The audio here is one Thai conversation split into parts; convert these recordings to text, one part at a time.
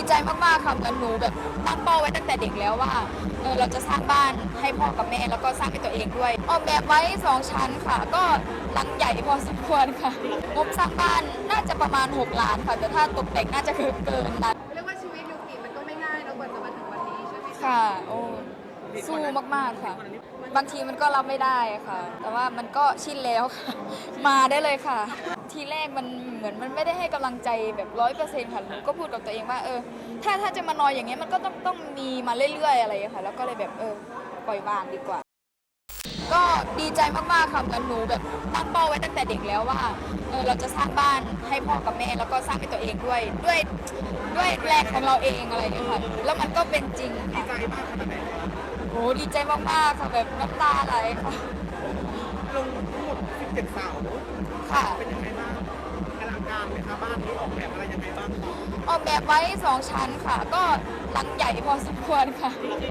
ใจมากๆค่ะเหมือนหนูแบบตั้งเป้าไว้ตั้งแต่เด็กแล้วว่าเราจะสร้างบ้านให้พ่อกับแม่แล้วก็สร้างให้ตัวเองด้วยออกแบบไว้2ชั้นค่ะก็หลังใหญ่พอสมควรค่ะงบสร้างบ้านน่าจะประมาณ6 ล้านค่ะแต่ถ้าตกแต่งน่าจะเกินนั้นเรียกว่าชีวิตยูกิมันก็ไม่ง่ายเรากว่าจะมาถึงวันนี้ใช่ไหมคะค่ะโอ้สู้มากๆค่ะบางทีมันก็รับไม่ได้ค่ะแต่ว่ามันก็ชินแล้วค่ะมาได้เลยค่ะทีแรกมันเหมือนมันไม่ได้ให้กำลังใจแบบ100%ค่ะหนูก็พูดกับตัวเองว่าถ้าจะมานอนอย่างเงี้ยมันก็ต้องมีมาเรื่อยๆอะไรอย่างเงี้ยค่ะแล้วก็เลยแบบปล่อยวางดีกว่าก็ดีใจมากๆค่ะเหมือนหนูแบบตั้งเป้าไว้ตั้งแต่เด็กแล้วว่าเราจะสร้างบ้านให้พ่อกับแม่แล้วก็สร้างให้ตัวเองด้วยแรงของเราเองอะไรอย่างเงี้ยค่ะแล้วมันก็เป็นจริงค่ะใจมากขนาดไหนคะโอ้ดีใจมากๆค่ะแบบน้ำตาไหลค่ะลงทั้งหมด17เสาค่ะเป็นยังไงบ้างอลังการไหมคะบ้านนี้ออกแบบอะไรยังไงบ้างออกแบบไว้2 ชั้นค่ะก็หลังใหญ่พอสมควรค่ะ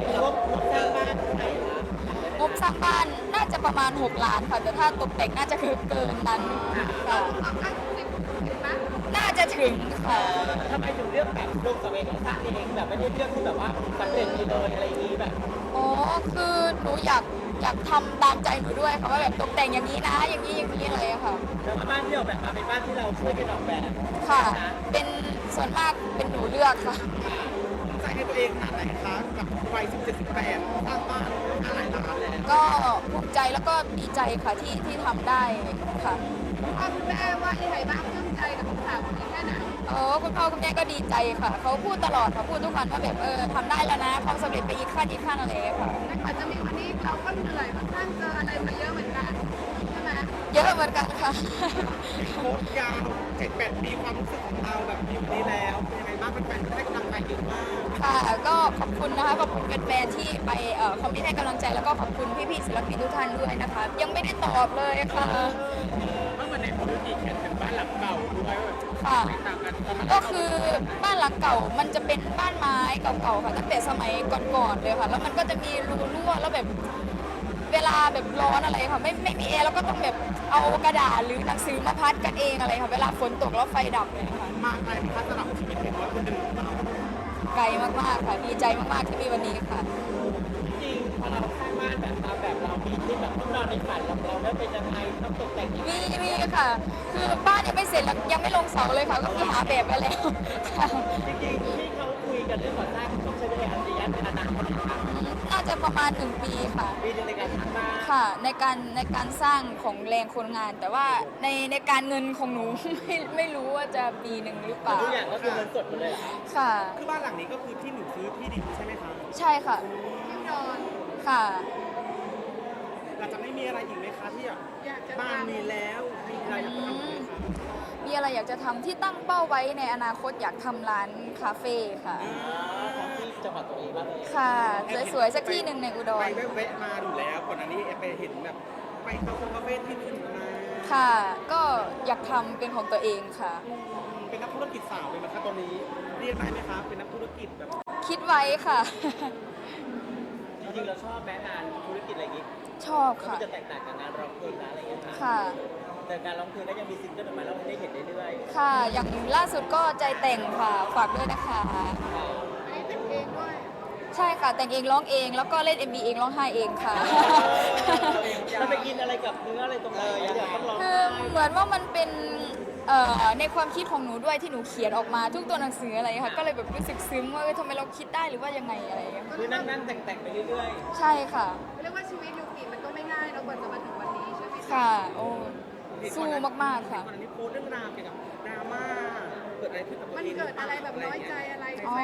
งบสร้างบ้านน่าจะประมาณ6 ล้านค่ะแต่ถ้าตกแต่งน่าจะเกินนั้นค่ะน่าจะถึงค่ะทำไมถึงเลือกแบบลงสเปนของสร้างเองแบบไม่ได้เลือกที่แบบว่าสำเร็จไปเลยอะไรอย่างนี้แบบอ๋อคือหนูอยากทำตามใจหนูด้วยค่ะว่าแบบตกแต่งอย่างนี้นะอย่างนี้อะไรอะค่ะแล้วบ้านที่ออกแบบมาเป็นบ้านที่เราช่วยกันออกแบบค่ะเป็นส่วนมากเป็นหนูเลือกค่ะใจให้ตัวเองขนาดไหนคะกับวัย17 18สร้างบ้านหลายล้านแล้วก็ภูมิใจแล้วก็ดีใจค่ะที่ทำได้ค่ะคุณแม่ว่ายังไงบ้างปลื้มใจกับข่าวนี้แค่ไหนคุณพ่อคุณแม่ก็ดีใจค่ะเขาพูดตลอดค่ะพูดทุกวันว่าแบบทำได้แล้วนะความสำเร็จไปอีกขั้นอะไรอย่างเงี้ยค่ะแต่กว่าจะมีวันนี้เราก็เหนื่อยค่อนข้างเจออะไรมาเยอะเหมือนกันใช่ไหมเยอะเหมือนกันค่ะโค้ชยาว7-8 ปีความรู้สึกของเราแบบอยู่นี้แล้วเป็นยังไงบ้างแฟนๆให้กำลังใจเยอะมากค่ะก็ขอบคุณนะคะขอบคุณแฟนๆที่ไปคอมเมนต์ให้กำลังใจแล้วก็ขอบคุณพี่ๆศิลปินทุกท่านด้วยนะคะยังไม่ได้ตอบเลยค่ะเมื่อวันไหนผมดูดีเขียนถึงบ้านหลังเก่าด้วยค่ะต่างกันก็คือบ้านหลังเก่ามันจะเป็นบ้านไม้เก่าๆค่ะตั้งแต่สมัยก่อนๆเลยค่ะแล้วมันก็จะมีรูรั่วแล้วแบบเวลาแบบร้อนอะไรค่ะไม่มีแอร์แล้วก็ต้องแบบเอากระดาษหรือหนังสือมาพัดกันเองอะไรค่ะเวลาฝนตกแล้วไฟดับเลยค่ะมากไปไหมคะสำหรับชีวิตเด็กน้อยคนหนึ่งไกลมากๆค่ะดีใจมากๆที่มีวันนี้ค่ะจริงพอเราสร้างบ้านแบบตามแบบเรามีที่แบบต้องนอนในฝันเราได้เป็นยังไงต้องตกแต่งยังไงมีค่ะคือบ้านยังไม่เสร็จแล้วยังไม่ลงเสาเลยค่ะก็คือหาแบบไปแล้วค่ะจริงๆที่เขาคุยกันเรื่องก่อสร้างต้องใช้เวลาระยะเป็นนานเท่าไหร่คะน่าจะประมาณ1 ปีค่ะปีในการสร้างบ้านค่ะในการสร้างของแรงคนงาน แต่ว่าในการเงินของหนู ไม่รู้ว่าจะปีหนึ่งหรือเปล่าทุกอย่างก็คือเงินสดหมดเลยค่ะคือบ้านหลังนี้ก็คือที่หนูซื้อที่ดินใช่ไหมคะใช่ค่ะที่นอนค่ะเราจะไม่มีอะไรอีกไหมคะที่อยากจะบ้านทำมีแล้วมีอะไรอยากจะทำไหมคะมีอะไรอยากจะทำที่ตั้งเป้าไว้ในอนาคตอยากทำร้านคาเฟ่ค่ะของที่จังหวัดตัวเองบ้างเลยค่ะสวยๆสักที่หนึ่งในอุดไปรแวะมาดูแล้วก่อนอันนี้ไปเห็นแบบไปเข้าคาเฟ่ที่อื่นมาค่ะก็อยากทำเป็นของตัวเองค่ะเป็นนักธุรกิจสาวเลยไหมคะตอนนี้เรียกได้ไหมคะเป็นนักธุรกิจแบบคิดไว้ค่ะจริงๆเราชอบแม้งานธุรกิจอะไรอย่างงี้ชอบก็ค่ะจะแตกต่างกับงานร้องเพลงนะอะไรอย่างเงี้ยค่ะแต่การร้องเพลงก็ยังมีซิงเกิลออกมาแล้วให้ได้เห็นเรื่อยค่ะอย่างล่าสุดก็ใจแต่งค่ะฝากด้วยนะคะอันนี้แต่งเองด้วยใช่ค่ะแต่งเองร้องเองแล้วก็เล่น MV เองร้องไห้เองค่ะเราไปกินอะไรกับเนื้ออะไรตรงไหนเดี๋ยวต้องร้องคือเหมือนว่ามันเป็นในความคิดของหนูด้วยที่หนูเขียนออกมาทุกตัวหนังสืออะไรค่ะก็เลยแบบรู้สึกซึ้งว่าทำไมเราคิดได้หรือว่ายังไงอะไรอย่างเงี้ยคือนั่งๆแต่งๆไปเรื่อยใช่ค่ะเรียกว่าชีวิตยูกิมันก็ไม่ง่ายเรากว่าจะมาถึงวันนี้ใช่ไหมคะค่ะโอ้สู้มากๆค่ะก่อนอันนี้โพสต์เรื่องราวเกี่ยวกับดราม่าเกิดอะไรขึ้นกับตัวมันเองเกิดอะไรแบบน้อยใจอะไรอ๋อ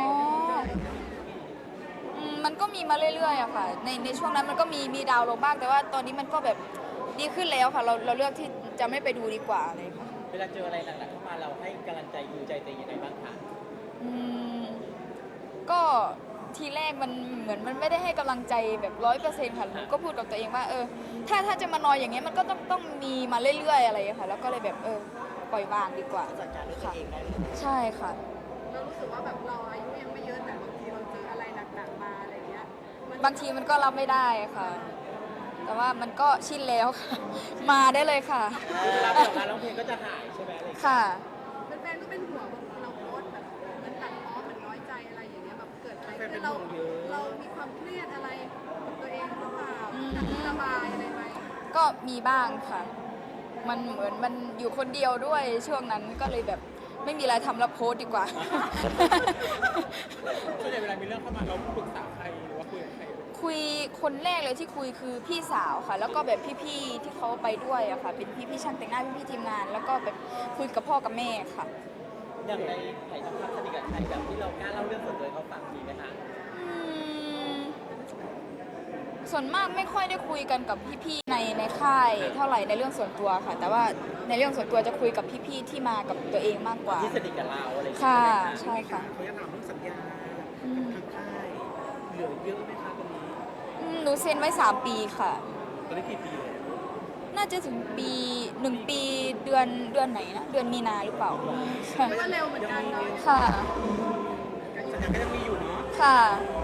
มันก็มีมาเรื่อยๆอะค่ะในช่วงนั้นมันก็มีดาวลงบ้างแต่ว่าตอนนี้มันก็แบบดีขึ้นแล้วค่ะเราเลือกที่จะไม่ไปดูดีกว่าอะไรค่ะเวลาเจออะไรหนักๆเข้ามาเราให้กำลังใจยูใจตัวเองยังไงบ้างคะอืมก็ทีแรกมันเหมือนมันไม่ได้ให้กำลังใจแบบ100%ค่ะหนูก็พูดกับตัวเองว่าถ้าจะมานอนอย่างเงี้ยมันก็ต้องมีมาเรื่อยๆอะไรค่ะแล้วก็เลยแบบปล่อยวางดีกว่าจัดการด้วยตัวเองได้เลยใช่ค่ะเรารู้สึกว่าแบบเราอายุยังไม่เยอะแต่บางทีเราเจออะไรหนักๆมาอะไรเงี้ยบางทีมันก็รับไม่ได้ค่ะ แต่ว่ามันก็ชินแล้วค่ะมาได้เลยค่ะเวลาเปิดมาร้องเพลงก็จะหายใช่ไหมอะไรค่ะแฟนๆก็เป็นห่วงบางทีเราโพสต์แบบเหมือนตัดพ้อเหมือนน้อยใจอะไรระบายอะไรไหมก็มีบ้างค่ะ มันเหมือนมันอยู่คนเดียวด้วยช่วงนั้นก็เลยแบบไม่มีอะไรทำแล้วโพสต์ดีกว่าส่วนใหญ่เวลามีเรื่องเข้ามาเราปรึกษาใครหรือว่าคุยกับใครคุยคนแรกเลยที่คุยคือพี่สาวค่ะ แล้วก็แบบพี่ๆที่เขาไปด้วยอะค่ะ เป็นพี่ๆช่างแต่งหน้าพี่ๆทีมงาน แล้วก็แบบคุยกับพ่อกับแม่ค่ะอย่างในไถ่ทองคำสนิทกับใครแบบที่เรากล้าเล่าเรื่องส่วนตัวให้เขาฟังมีไหมคะอืมส่วนมากไม่ค่อยได้คุยกันกับพี่ๆในค่ายเท่าไหร่ในเรื่องส่วนตัวค่ะ แต่ว่าในเรื่องส่วนตัวจะคุยกับพี่ๆที่มากับตัวเองมากกว่าที่สนิทกับเราอะไรอย่างเงี้ยค่ะใช่ไหมใช่ค่ะเขาจะถามเรื่องสัญญาอืมทางค่ายเหลือเยอะไหมคะตอนนี้หนูเซ็นไว้3 ปีค่ะตอนนี้กี่ปีแล้วน่าจะถึง1 ปีเดือนไหนนะ เดือนมีนาหรือเปล่าค่ะก็เร็วเหมือนกันเนาะค่ะสัญญาก็ยังมีอยู่เนาะค่ะ